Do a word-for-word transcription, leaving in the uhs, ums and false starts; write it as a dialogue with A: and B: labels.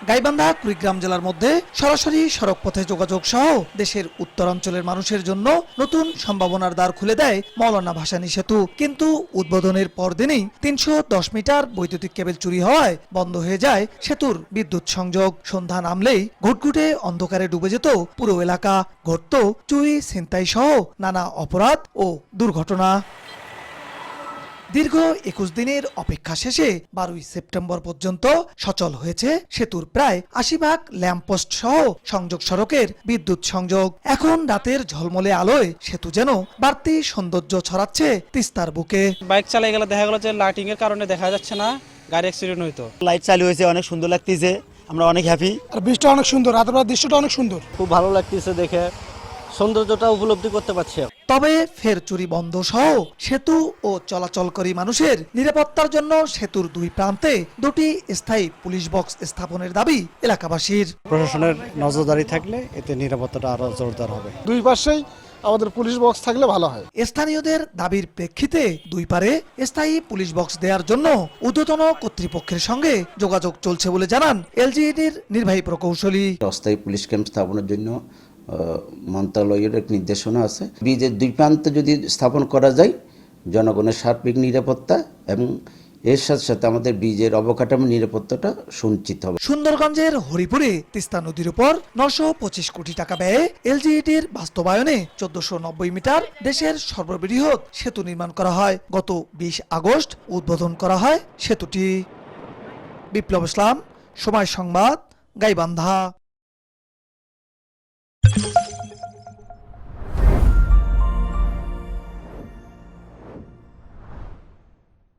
A: গাইবান্ধা কুড়িগ্রাম জেলার মধ্যে সরাসরি সড়ক পথে যোগাযোগ সহ দেশের উত্তরাঞ্চলের মানুষের জন্য নতুন সম্ভাবনার দ্বার খুলে দেয় মৌলানা ভাসানী সেতু। কিন্তু উদ্বোধনের পরদিনই তিনশো দশ মিটার বৈদ্যুতিক কেবল চুরি হওয়ায় বন্ধ হয়ে যায় সেতুর বিদ্যুৎ সংযোগ। সন্ধ্যা নামলেই ঘুটঘুটে অন্ধকারে ডুবে যেত পুরো এলাকা। ঘটত চুরি, ছিনতাই সহ নানা অপরাধ ও দুর্ঘটনা। দীর্ঘ একুশ দিনের অপেক্ষা শেষে বারোই সেপ্টেম্বর পর্যন্ত সচল হয়েছে সেতুর প্রায় আশি ভাগ ল্যাম্পপোস্ট সহ সংযোগ সড়কের বিদ্যুৎ সংযোগ। এখন রাতের ঝলমলে আলোয় সেতু যেন বাড়তি সৌন্দর্য ছড়াচ্ছে তিস্তার বুকে।
B: বাইক চালিয়ে গেলে দেখা গেল যে লাইটিং এর কারণে দেখা যাচ্ছে না, গাড়ি অ্যাক্সিডেন্ট হইতো।
C: লাইট চালু হয়েছে, অনেক সুন্দর লাগতেছে, আমরা অনেক হ্যাপি।
D: আর বৃষ্টিটা অনেক সুন্দর, রাতের বেলা দৃশ্যটা অনেক সুন্দর,
E: খুব ভালো লাগতেছে দেখে, সৌন্দর্যটা উপলব্ধি করতে পারছি।
A: তবে ফের চুরি বন্ধ সহ সেতু ও চলাচলকারী মানুষের নিরাপত্তার জন্য সেতুর দুই প্রান্তে দুটি স্থায়ী পুলিশ বক্স স্থাপনের দাবি এলাকাবাসীর।
F: প্রশাসনের নজরদারি থাকলে এতে নিরাপত্তাটা আরো জোরদার হবে।
D: দুই পাশেই আমাদের পুলিশ বক্স থাকলে ভালো হয়।
A: স্থানীয়দের দাবির প্রেক্ষিতে দুই পারে স্থায়ী পুলিশ বক্স দেওয়ার জন্য ঊর্ধ্বতন কর্তৃপক্ষের সঙ্গে যোগাযোগ চলছে বলে জানান এলজিইডির নির্বাহী প্রকৌশলী।
G: অস্থায়ী পুলিশ ক্যাম্প স্থাপনের জন্য মন্ত্রণালয়ের এক নির্দেশনা আছে। ব্রিজের দুই প্রান্তে যদি স্থাপন করা যায় জনগণের সার্বিক নিরাপত্তা এবং এর সাথে সাথে আমাদের ব্রিজের অবকাঠামো নিরাপত্তাটা সুনিশ্চিত হবে।
A: সুন্দরগঞ্জের হরিপুরে তিস্তা নদীর উপর নশো পঁচিশ কোটি টাকা ব্যয়ে এলজিইডির বাস্তবায়নে চোদ্দশো নব্বই মিটার দেশের সর্ববৃহৎ সেতু নির্মাণ করা হয়। গত বিশ আগস্ট উদ্বোধন করা হয় সেতুটি। বিপ্লব ইসলাম, সময় সংবাদ, গাইবান্ধা।